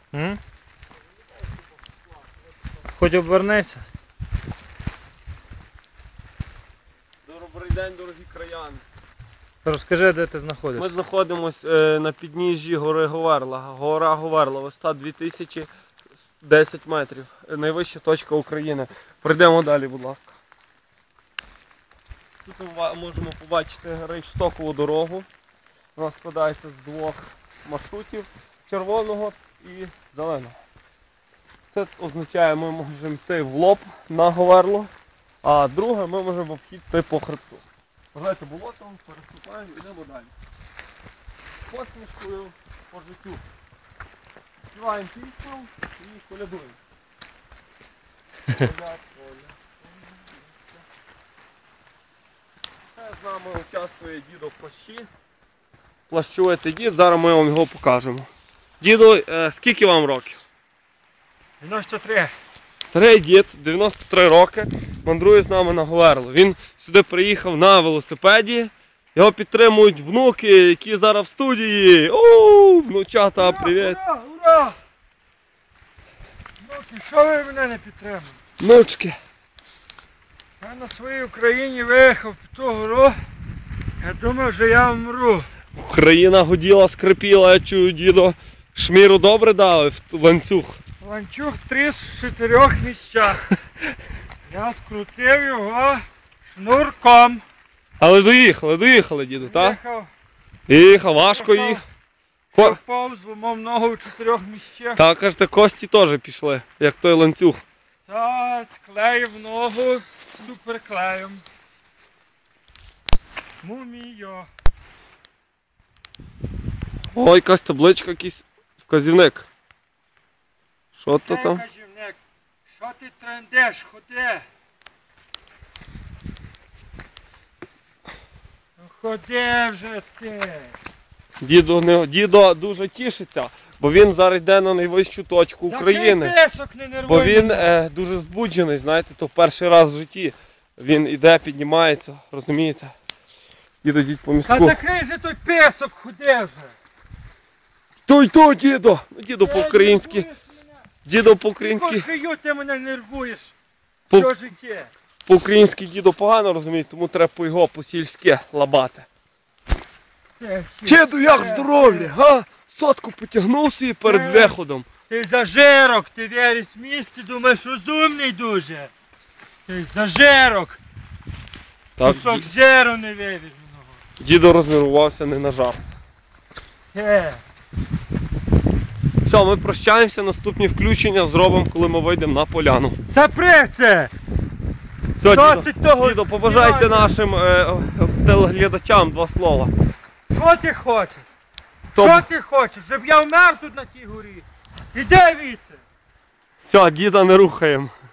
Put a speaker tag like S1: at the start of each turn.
S1: Хоч обернися.
S2: Добрий день, дорогі краяни.
S1: Розкажи, де ти знаходишся.
S2: Ми знаходимося на підніжжі гори Говерла. Гора Говерла, висота 2010 метрів. Найвища точка України. Пройдемо далі, будь ласка. Тут ми можемо побачити рейштокову дорогу. Вона складається з двох маршрутів – червоного і зеленого. Це означає, ми можемо йти в лоб на Говерло, а друге ми можемо обхідти по хребту. Вважайте болотом, переступаємо і йдемо далі. Посмішкою по життю. Співаємо пісню і колядуємо. З нами участвує дідо в плащі. Плащуєте дід, зараз ми вам його покажемо. Діду, скільки вам років?
S1: 93.
S2: Старий дід, 93 роки, мандрує з нами на Говерло. Він сюди приїхав на велосипеді. Його підтримують внуки, які зараз в студії. Оу, внучата, привіт!
S1: Ура, ура! Внуки, що ви мене не підтримуєте?
S2: Внучки.
S1: Я на своїй Україні виїхав під ту гору. Я думав, що я вмру.
S2: Україна гуділа, скрипіла, я чую, дідо. Шміру добре дали в ланцюг.
S1: Ланцюг тріс в 4 місцях. Я скрутив його шнурком.
S2: Але доїхали, діду, так?
S1: Їхав.
S2: Їхав, важко їх.
S1: Впав, зламав ногу в 4 місцях.
S2: Так, кажете, кості теж пішли, як той ланцюг.
S1: Та склеїв ногу суперклеєм. Муміо.
S2: Ой, якась табличка, якийсь вказівник. Що то там?
S1: Кажівник, що ти трендеш, ходи. Ну ходи вже ти.
S2: Дідо дуже тішиться, бо він зараз йде на найвищу точку України.
S1: Закрий песок, не нервуй
S2: Бо він
S1: мене.
S2: дуже збуджений, знаєте, то перший раз в житті. Він іде, піднімається, розумієте? Дідо, йдіть по
S1: Та
S2: містку.
S1: закрий же той песок, ходи вже.
S2: Той, дідо! Ну, дідо по-українськи. Дідо по-українськи.
S1: Кошею ти мене нервуєш.
S2: По-
S1: Все життя.
S2: По-українськи дідо погано розуміє, тому треба по його по-сільськи лабати. Діду, як здоров'я, га? Сотку потягнув собі перед виходом.
S1: Ти зажирок, ти віриш в місті, думаєш, розумний дуже. Ти зажирок.
S2: Так,
S1: Кусок жиру не вивіз мене.
S2: дідо рознервувався не на жарт.
S1: Те.
S2: Все, ми прощаємося, наступні включення зробимо, коли ми вийдемо на поляну.
S1: Запреться!
S2: Все,
S1: Досить того
S2: дідо, побажайте
S1: співання.
S2: нашим телеглядачам 2 слова.
S1: Що ти хочеш?
S2: То-
S1: Що ти хочеш? Щоб я вмер тут на тій горі? Іди віце!
S2: Все, діда не рухаємо.